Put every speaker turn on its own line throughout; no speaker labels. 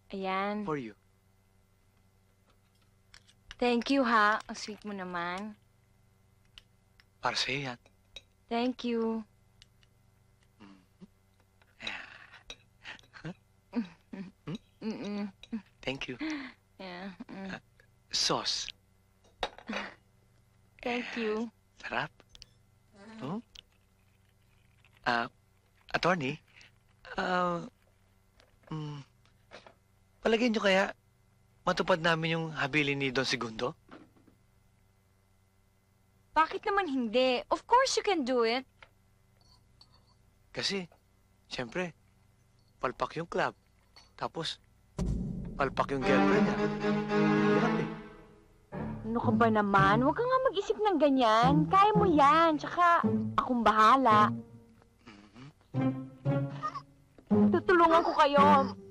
Ayan.
For you.
Thank you, ha. Ang sweet mo naman.
Para sa'yo yan.
Thank you. Mm-mm.
Thank you.
Yeah.
Sauce.
Thank you.
Sarap. Hmm? Attorney, ah, palagay niyo kaya matupad namin yung habilin ni Don Segundo?
Bakit naman hindi? Of course you can do it.
Kasi, siyempre, palpak yung club. Tapos, palpak yung girlfriend niya. Hirap eh.
Ano ka ba naman? Huwag ka nga mag-isip ng ganyan. Kaya mo yan. Tsaka, akong bahala. Tutulungan ko kayo.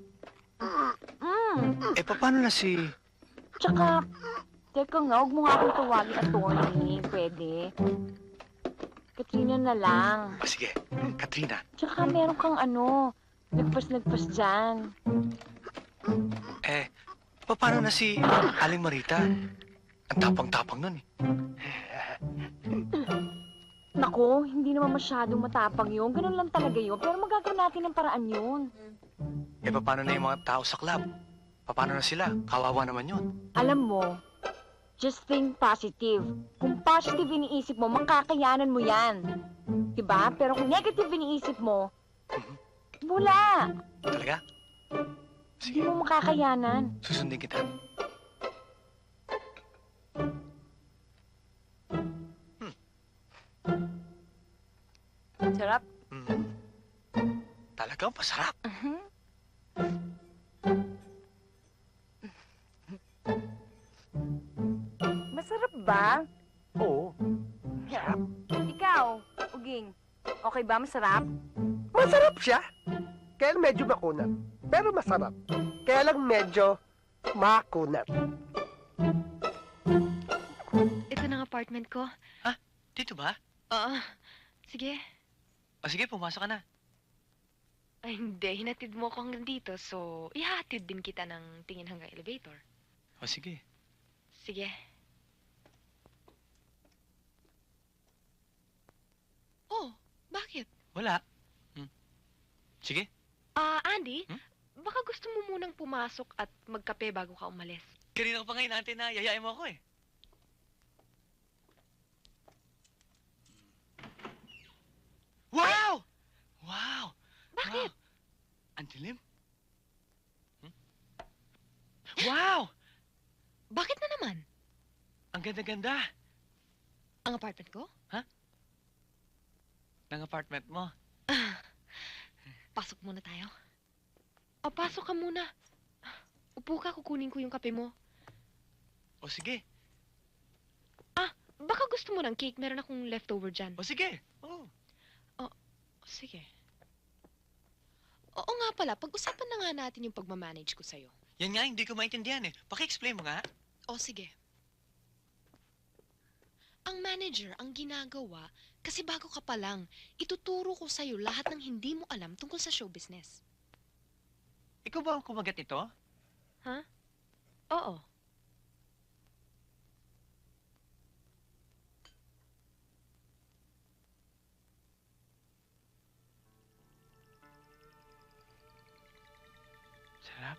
Paano na si...
Tsaka, teka nga, huwag mo nga akong tawagin attorney. Pwede. Katrina na lang.
Sige, Katrina.
Tsaka meron kang nagpas dyan.
Paano na si Aling Marita? Ang tapang-tapang nun eh.
Naku, hindi naman masyadong matapang yun. Ganun lang talaga yun. Pero magagawa natin ng paraan yun.
Paano na yung mga tao sa club? Paano na sila? Kawawa naman yun.
Alam mo, just think positive. Kung positive iniisip mo, makakayanan mo yan. Diba? Pero kung negative iniisip mo, wala.
Talaga?
Hindi
Sige,
mo makakayanan.
susundin kita.
Sarap.
Talagang masarap.
Masarap ba?
Oo.
Ikaw, Uging, okay ba? Masarap?
Masarap siya. Kaya lang medyo makunat. Pero masarap. Kaya lang medyo makunat.
Ito na ang apartment ko.
Dito ba?
Oo. Sige.
Sige, pumasok ka na.
Ay, hindi. Hinatid mo ako hanggang dito. So, ihahatid din kita ng tingin hanggang elevator.
Sige.
Sige. Oh, bakit?
Wala. Sige.
Andy,
Hmm?
baka gusto mo munang pumasok at magkape bago ka umalis.
Kanina ko pa ngayon natin na yayain mo ako eh. Wow! Wow!
Bakit?
Wow. Ang dilim. Wow!
Bakit na naman?
Ang ganda-ganda
Ang apartment ko?
ng apartment mo.
Pasok muna tayo. Pasok ka muna. Upo ka, kukunin ko yung kape mo.
Sige.
Baka gusto mo ng cake. Meron akong leftover dyan.
Sige. Oh.
Sige. Oo nga pala, pag-usapan na nga natin yung pagmamanage ko sa'yo.
Yan nga, hindi ko maintindihan eh. Paki-explain mo nga.
Sige. Ang manager ang ginagawa kasi bago ka pa lang, ituturo ko sa'yo lahat ng hindi mo alam tungkol sa show business.
Ikaw ba ang kumagat ito?
Oo.
Sarap.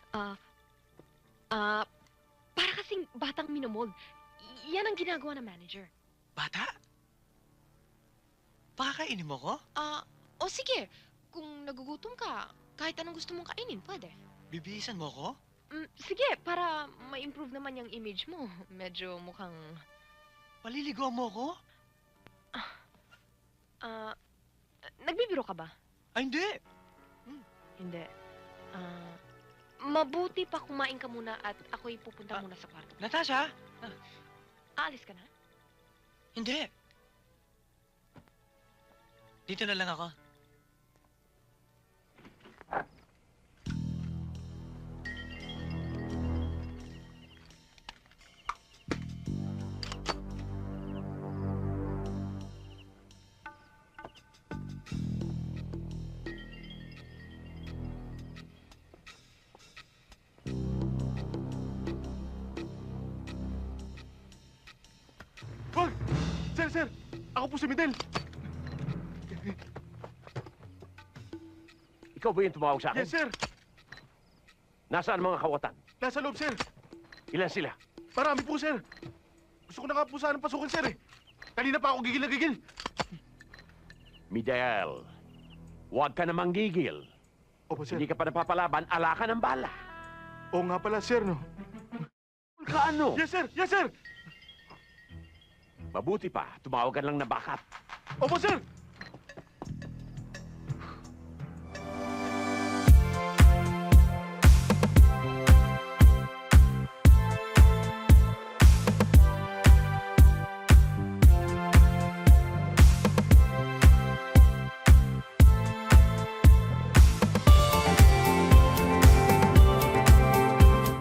Para kasing batang minomold. Yan ang ginagawa ng manager.
Bata? Pakakainin mo ko?
Sige. Kung nagugutom ka, kahit anong gusto mong kainin, pwede.
Bibihisan mo ko?
Sige, para ma-improve naman yung image mo. Medyo mukhang...
Paliligaw mo ko?
Nagbibiro ka ba?
Hindi.
Hindi. Mabuti pa kumain ka muna at ako'y pupunta muna sa kwarto.
Natasha?
Aalis ka na?
Hindi. Dito na lang ako.
Ako po si Midel.
Ikaw ba yung tumawag sa akin?
Yes, sir.
Nasaan ang mga kawatan?
Nasa loob, sir.
Ilan sila?
Marami po, sir. Gusto ko na nga po sanang pasukin, sir, eh. Kanina pa ako gigil na gigil.
Midel, huwag ka namang gigil.
Opo, sir.
Hindi ka pa napapalaban, ala ka ng bala.
Oo nga pala, sir, no?
Ka ano?
Yes, sir! Yes, sir!
Mabuti pa, tumawag ka lang na backup.
Opo, sir!